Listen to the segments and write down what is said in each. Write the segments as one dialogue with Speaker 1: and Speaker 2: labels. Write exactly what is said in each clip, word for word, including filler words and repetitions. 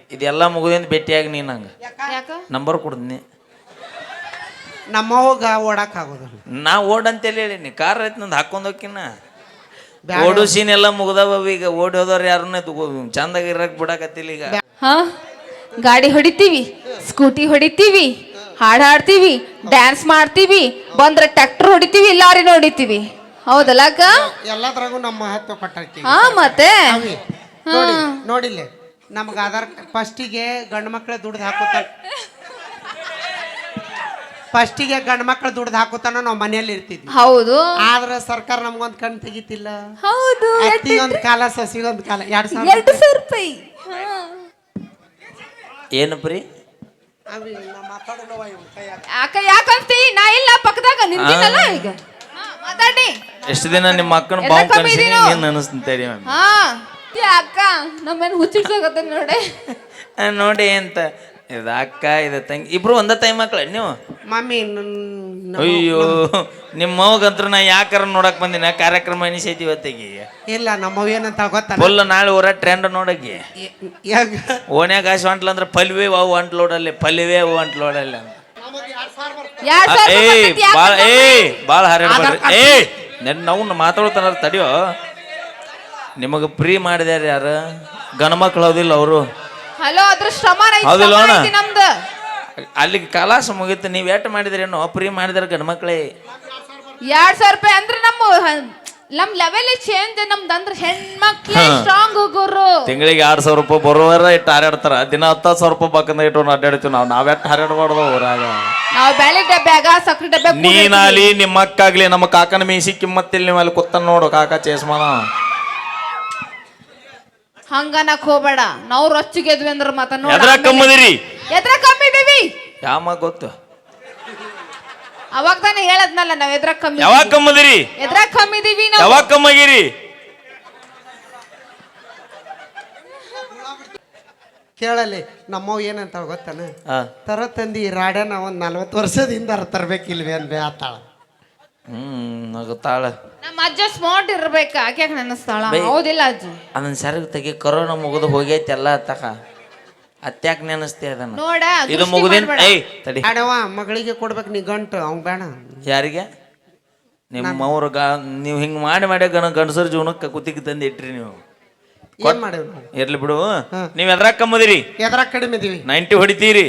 Speaker 1: ಇದೆಲ್ಲ ಮುಗಿದಿಂದ ಭೇಟಿಯಾಗಿ ನೀನು ನಂಗೆ
Speaker 2: ಯಾಕ
Speaker 1: ನಂಬರ್ ಕೊಡ್ತೀನಿ.
Speaker 3: ನಮ್ಮವಾಗ ಓಡಾಕ್ ಆಗೋದು.
Speaker 1: ನಾ ಓಡ್ ಅಂತೇಳಿ ಹೇಳೀನಿ. ಕಾರ್ ಐತಿ ನಂದು ಹಾಕೊಂಡು ಹೋಗಿನ ಓಡು ಸೀನ್ ಎಲ್ಲ ಮುಗ್ದವ. ಈಗ ಓಡಿ ಹೋದವ್ರು ಯಾರನ್ನ ಚಂದಾಗಿ ಇರಕ್ ಬಿಡಾಕತ್ತಿಲ್ಲ ಈಗ.
Speaker 2: ಹಾ ಗಾಡಿ ಹೊಡಿತೀವಿ, ಸ್ಕೂಟಿ ಹೊಡಿತೀವಿ, ಹಾಡು ಹಾಡ್ತೀವಿ, ಡ್ಯಾನ್ಸ್ ಮಾಡ್ತೀವಿ, ಬಂದ್ರೆ ಟ್ರ್ಯಾಕ್ಟರ್ ಹೊಡಿತೀವಿ, ಲಾರಿನ ಹೊಡಿತೀವಿ. ಹೌದಲ್ಲ ಅಕ್ಕ?
Speaker 3: ಎಲ್ಲದ್ರಾಗೂ ನಮ್ಮ ಮಹತ್ವ ಕೊಟ್ಟಾಕಿ.
Speaker 2: ಹಾ ಮತ್ತೆ
Speaker 3: ನೋಡಿ ನೋಡಿಲ್ಲ ನಮ್ಗೆ ಆಧಾರ್ ಫಸ್ಟಿಗೆ ಗಂಡು ಮಕ್ಳು ದುಡ್ದು ಹಾಕುತ್ತಾನ. ಫಸ್ಟಿಗೆ ಗಂಡು ಮಕ್ಳು ದುಡ್ದು ಹಾಕುತ್ತಾನ ನಾವು ಮನೆಯಲ್ಲಿ ಇರ್ತಿದ್ವಿ.
Speaker 2: ಹೌದು.
Speaker 3: ಆದ್ರೆ ಸರ್ಕಾರ ನಮ್ಗೊಂದು ಕಣ್ ತೆಗಿತಿಲ್ಲ.
Speaker 2: ಹೌದು.
Speaker 3: ಅತ್ತಿಗೊಂದು ಕಾಲ ಸಸಿಗೊಂದು ಕಾಲ ಎರಡು ಸಾವಿರ
Speaker 2: ಎರಡು ಸಾವಿರ ರೂಪಾಯಿ.
Speaker 1: ಏನು ಪ್ರೀ
Speaker 2: ಯಾಕ ಯಾಕಂತಿ? ನಾ ಇಲ್ಲ ಪಕ್ಕದಾಗ ನಿಂತಿನಲ್ಲ ಈಗ. ಮಾತಾಡಿ.
Speaker 1: ಎಷ್ಟು ದಿನ ನಿಮ್ಮ ಅಕ್ಕನ ಬಾವು ಕನಸಿನಿ ನೀನು ಅನಿಸ್ತಂತೇಳಿ.
Speaker 2: ಹಾ ಅಕ್ಕ ನಮ್ಮೇನು ಹುಚ್ಚಿಡ್ಸೋಗತ್ತೆ ನೋಡಿ.
Speaker 1: ನೋಡಿ ಅಂತ ಇದು ಅಕ್ಕ ಇದು ತಂಗಿ ಇಬ್ರು ಒಂದ ತಾಯಿ ಮಕ್ಳ ನೀವು?
Speaker 3: ಮಮ್ಮಿ
Speaker 1: ಅಯ್ಯೋ ನಿಮ್ಮ ಮಗಂತ್ರ ನಾ ಯಾಕಾರ ನೋಡಕ್ ಬಂದಿನ ಕಾರ್ಯಕ್ರಮ ಎನಿಸೈತಿ ಇವತ್ತಿಗೆ.
Speaker 3: ಇಲ್ಲ ನಮ್ಮವ್ ಏನಂತ ಗೊತ್ತ
Speaker 1: ಫುಲ್ ನಾಳೆ ಊರ ಟ್ರೆಂಡ್ ನೋಡಕ್ಕೆ ಓಣ್ಯಾಗ ಆಶು ಅಂಟ್ಲ ಅಂದ್ರೆ ಪಲ್ವೇ ಅವು ಅಂಟ್ಲೋಡಲ್ಲಿ ಪಲ್ವೇ ಅವು ಅಂಟ್ಲೋಡಲ್ಲಿ ಅಂತ. ಏ ಬಾಳ ಏ ಬಾಳ ಹರಡ್ಬೇಡ್ರಿ. ಏ ನೆನ್ ನಾವು ಮಾತಾಡ್ತಾನ ತಡಿಯೋ. ನಿಮಗೆ ಫ್ರೀ ಮಾಡಿದ್ಯಾರ ಯಾರು? ಗಣ ಮಕ್ಳು ಹೌದಿಲ್ಲ ಅವರು.
Speaker 2: ಹಲೋ ಅದ್ರ ಶ್ರಮ
Speaker 1: ಹೌದಿಲ್ಲ ಅಣ್ಣ?
Speaker 2: ನಮ್ದು
Speaker 1: ಅಲ್ಲಿಗೆ ಕಲಾಸ ಮುಗೀತು. ನೀವು ಎಟ್ ಮಾಡಿದ್ರೇನು? ಫ್ರೀ ಮಾಡಿದಾರೆ ಗಣ ಮಕ್ಳೇ.
Speaker 2: ಎರಡ್ ಸಾವಿರ ರೂಪಾಯಿ ಅಂದ್ರೆ ನಮ್ಮ ನಮ್ ಲೆವೆಲ್ ಚೇಂಜ್. ನಮ್ದು ಅಂದ್ರೆ ಹೆಣ್ಮಕ್ಳೇ ಸ್ಟ್ರಾಂಗ್ ಹೋಗೋರು.
Speaker 1: ತಿಂಗಳಿಗೆ ಎರಡ್ ಸಾವಿರ ರೂಪಾಯಿ ಬರೋವರ ಇಟ್ಟು ಹಾರಾಡ್ತಾರ. ದಿನ ಹತ್ತು ಸಾವಿರ ರೂಪಾಯಿ ಪಕ್ಕದ ಇಟ್ಟು ಅಡ್ಡಾಡ್ತೀವಿ ನಾವು. ನಾವೆಟ್ಟು ಹಾರಾಡ್ಬಾರ್ದು ಊರಾಗ.
Speaker 2: ನಾವು ಬೆಳೆ ಡಬ್ಬ್ಯಾಗ ಸಕ್ರೆ ಡಬ್ಬ.
Speaker 1: ನೀನಾಗ್ಲಿ ನಿಮ್ಮ ಅಕ್ಕಾಗ್ಲಿ ನಮ್ಮ ಕಾಕನ ಮೀಸಿ ಕಿಮ್ಮತ್ತಿಲ್ಲ. ನೀವು ಅಲ್ಲಿ ಕೂತ ನೋಡು ಕಾಕ ಚೇಸ್ಮಾನ.
Speaker 2: ಹಂಗನಕ್ ಹೋಗ್ಬೇಡ. ನಾವು ರೊಚ್ಚಿಗೆದ್ವಿ ಅಂದ್ರೆ ಮತ್ತ
Speaker 1: ಎದ್ರ ಕಮ್ಮದಿರಿ?
Speaker 2: ಎದ್ರ ಕಮ್ಮಿದೀವಿ
Speaker 1: ಯಾಮ ಗೊತ್ತು.
Speaker 2: ಅವಾಗ ತಾನೇ ಹೇಳದ್ನಲ್ಲ ನಾವ್ ಎದ್ರ ಕಮ್ಮಿ.
Speaker 1: ಯಾವಾಗ ಕಮ್ಮದಿರಿ?
Speaker 2: ಎದ್ರ ಕಮ್ಮಿದೀವಿ ನಾವು.
Speaker 1: ಯಾವಾಗ ಕಮ್ಮಗಿರಿ?
Speaker 3: ಕೇಳಲಿ ನಮ್ಮವ್ ಏನಂತ ಗೊತ್ತಾನ? ತರ ತಂದಿ ರಾಡ್ಯಾನ ಒಂದ್ ನಲ್ವತ್ತು ವರ್ಷದಿಂದ ತರ್ಬೇಕಿಲ್ವೇ ಅನ್ಬೇ ಆತಾಳ.
Speaker 1: ಹ್ಮ್ ನಗುತ್ತಾಳ.
Speaker 2: ನಮ್ಮ ಅಜ್ಜ ಸ್ಮಾರ್ಟ್ ಇರ್ಬೇಕ. ಆಕೆ ನೆನಸ್ತಾಳ. ಹೌದಿಲ್ಲ ಅಜ್ಜಿ?
Speaker 1: ಅದನ್ನ ಸರಿಗ್ ತೆಗಿ. ಕೊರೋನಾ ಮುಗಿದು ಹೋಗೈತಿ ಎಲ್ಲ ತಕ. ಅತ್ಯಾಕ ನೆನಸ್ತಿ ಅದನ್ನ
Speaker 2: ನೋಡ.
Speaker 1: ಇದು ಮುಗಿದಿನ ಏಯ್ ತಡಿ.
Speaker 3: ಆಡವ ಮಗಳಿಗೆ ಕೊಡ್ಬೇಕು ನೀ ಗಂಟು ಅವ್ ಬೇಡ.
Speaker 1: ಯಾರಿಗೆ? ನಿಮ್ಮ ಅವ್ರ ಗಾ ನೀವು ಹಿಂಗ್ ಮಾಡಿ ಮಾಡಿ ಗಣ ಗಂಡಸರ ಜೀವನಕ್ಕೆ ಕುತ್ತಿಗೆ ತಂದು ಇಟ್ರಿ ನೀವು.
Speaker 3: ಏನ್ ಮಾಡೇವ್ ನಾವು?
Speaker 1: ಇರ್ಲಿ ಬಿಡು. ನೀವ್ ಎದ್ರಾಗ ಕಮ್ಮದಿರಿ?
Speaker 3: ಎದ್ರಾಗ ಕಡಿಮೆ ಇದೀವಿ.
Speaker 1: ನೈಂಟಿ ಹೊಡಿತೀರಿ?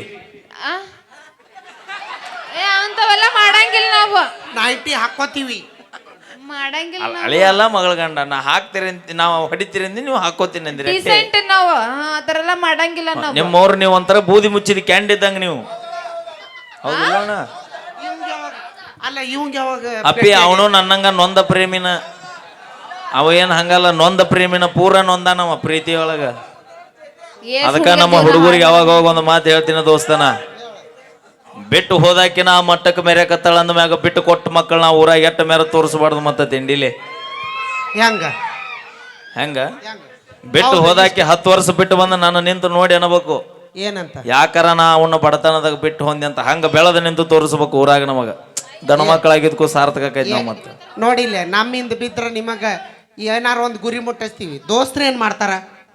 Speaker 2: ಏ ಅಂತವೆಲ್ಲ ಮಾಡಂಗಿಲ್ಲ ನಾವು.
Speaker 3: ನೈಂಟಿ ಹಾಕೋತೀವಿ.
Speaker 2: ಮಾಡಂಗಿಲ್ಲ.
Speaker 1: ಹಳೆಯಲ್ಲ ಮಗಳ ಗಂಡ ನಾ ಹಾಕ್ತೀರಿ ಅಂತ ನಾವು ಹೊಡಿತೀರಿ ಅಂದಿ ನೀವು ಹಾಕೋತೀನಿ ಅಂದಿರಿ.
Speaker 2: ಡಿಸೆಂಟ್ ನಾವು ಆತರ ಎಲ್ಲ ಮಾಡಂಗಿಲ್ಲ ನಾವು.
Speaker 1: ನಿಮ್ಮವ್ರು ನೀವು ಒಂಥರ ಬೂದಿ ಮುಚ್ಚಿದ ಕ್ಯಾಂಡ್ ಇದ್ದಂಗ ನೀವು. ಹೌದಿಲ್ಲ ಅಣ್ಣ?
Speaker 3: ಅಲ್ಲ ಇವಂಗ ಯಾವಾಗ
Speaker 1: ಅಪ್ಪಿ ಅವನು ನನ್ನಂಗ ನೊಂದ ಪ್ರೇಮಿನ. ಅವ ಏನ್ ಹಂಗಲ್ಲ ನೊಂದ ಪ್ರೇಮಿನ ಪೂರ ನೊಂದ ನಮ್ಮ ಪ್ರೀತಿಯೊಳಗ. ಅದಕ್ಕ ನಮ್ಮ ಹುಡುಗರಿಗೆ ಯಾವಾಗ ಹೋಗ ಒಂದು ಮಾತು ಹೇಳ್ತೀನಿ ದೋಸ್ತನ. ಬಿಟ್ಟು ಹೋದಾಕಿನ ಆ ಮಟ್ಟಕ್ಕೆ ಮೇರೆ ಕತ್ತಾಳ ಅಂದ ಮ್ಯಾಗ ಬಿಟ್ಟು ಕೊಟ್ಟ ಮಕ್ಕಳು ನಾವು ಊರಾಗ ಎಟ್ಟ ಮೇರೆ ತೋರಿಸ್ಬಾರ್ದು. ಮತ್ತೆ ತಿಂಡಿಲಿ
Speaker 3: ಹೆಂಗ
Speaker 1: ಹೆಂಗ ಬಿಟ್ಟು ಹೋದಾಕಿ ಹತ್ತು ವರ್ಷ ಬಿಟ್ಟು ಬಂದ ನಾನು ನಿಂತು ನೋಡಿ ಅನ್ಬೇಕು.
Speaker 3: ಏನಂತ?
Speaker 1: ಯಾಕಾರ ನಾ ಅವನ್ನ ಬಡತನದಾಗ ಬಿಟ್ಟು ಹೊಂದಿ ಅಂತ ಹಂಗ ಬೆಳೆದ ನಿಂತು ತೋರಿಸ್ಬೇಕು ಊರಾಗ. ನಮಗ ಗಣ ಮಕ್ಕಳಾಗಿದ್ಕೂ ಸಾರ್ಥಕ ಆಕೈತಿ ನಾವು. ಮತ್ತೆ
Speaker 3: ನೋಡಿಲ್ಲ ನಮ್ಮಿಂದ ಬಿದ್ರ ನಿಮಗ ಏನಾರ ಒಂದು ಗುರಿ ಮುಟ್ಟಿಸ್ತೀವಿ. ದೋಸ್ತ್ರು ಏನ್ ಮಾಡ್ತಾರ?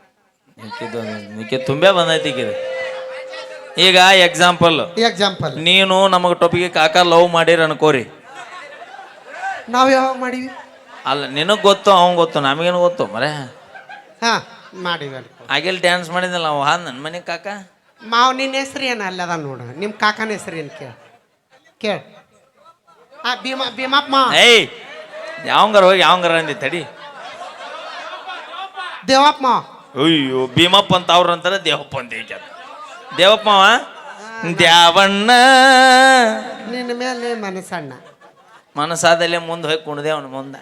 Speaker 1: ತುಂಬೇ ಬಂದೈತಿ ಈಗ. ಈಗ ಎಕ್ಸಾಂಪಲ್
Speaker 3: ಎಕ್ಸಾಂಪಲ್
Speaker 1: ನೀನು ನಮಗ ಟೊಪಿಗೆ ಕಾಕ ಲವ್ ಮಾಡಿರ ಅನ್ಕೋರಿ.
Speaker 3: ನಾವ್ ಯಾವಾಗ ಮಾಡಿವಿ?
Speaker 1: ಅಲ್ಲ ನಿನಗ್ ಗೊತ್ತು ಅವಂಗ ಗೊತ್ತು ನಮಗೇನು ಗೊತ್ತು ಮರೆ.
Speaker 3: ಹಾ ಮಾಡಿವಿ.
Speaker 1: ಆಗಿಲ್ ಡ್ಯಾನ್ಸ್ ಮಾಡಿದ್ನಲ್ಲ ಅವ ಹಾ ನನ್ನ ಮನೆ ಕಾಕ.
Speaker 3: ಮಾವ್ ನಿನ್ನ ಹೆಸ್ರು ಏನು ಅಲ್ಲದ ನೋಡ. ನಿಮ್ಮ ಕಾಕನ ಹೆಸ್ರು ಏನು ಕೇಳ ಕೇಳ. ಆ ಭೀಮಾ ಭೀಮಪ್ಪ ಮಾವ.
Speaker 1: ಏಯ್ ಯಾವಂಗಾರ ಹೋಗಿ ಯಾವಂಗಾರ ಅಂದಿ ತಡಿ.
Speaker 3: ದೇವಪ್ಪ ಮಾವ.
Speaker 1: ಅಯ್ಯೋ ಭೀಮಪ್ಪ ಅಂತ ಅವ್ರ ಅಂತಾರ ದೇವಪ್ಪ ಅಂತ ಈಗ. ದೇವಪ್ಪ ಮಾವ ದ್ಯಾವಣ್ಣ
Speaker 3: ನಿನ್ನ ಮೇಲೆ ಮನಸ್ಸಣ್ಣ.
Speaker 1: ಮನಸ್ಸಾದಲ್ಲೇ ಮುಂದೆ ಹೋಗಿ ಕುಣದೆ ಅವನ ಮುಂದೆ.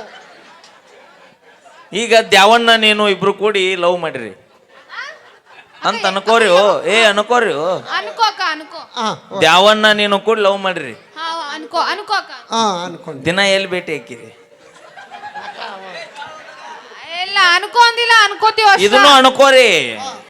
Speaker 1: ಈಗ ದ್ಯಾವಣ್ಣ ನೀನು ಇಬ್ರು ಕೂಡಿ ಲವ್ ಮಾಡಿರಿ ಅಂತ ಅನ್ಕೋರಿ. ಏ ಅನ್ಕೋರಿ.
Speaker 2: ಅನ್ಕೋಕ ಅನ್ಕೋ.
Speaker 1: ದ್ಯಾವಣ್ಣ ನೀನು ಕೂಡಿ ಲವ್ ಮಾಡಿರಿ.
Speaker 2: ಅನ್ಕೋ ಅನ್ಕೋಕ.
Speaker 3: ಅನ್ಕೊಂಡು
Speaker 1: ದಿನ ಎಲ್ಲಿ ಭೇಟಿ ಹಾಕಿರಿ?
Speaker 2: ಎಲ್ಲ ಅನ್ಕೊಂಡಿಲ್ಲ ಅನ್ಕೋತೀವಿ.
Speaker 1: ಇದನ್ನು ಅನ್ಕೋರಿ.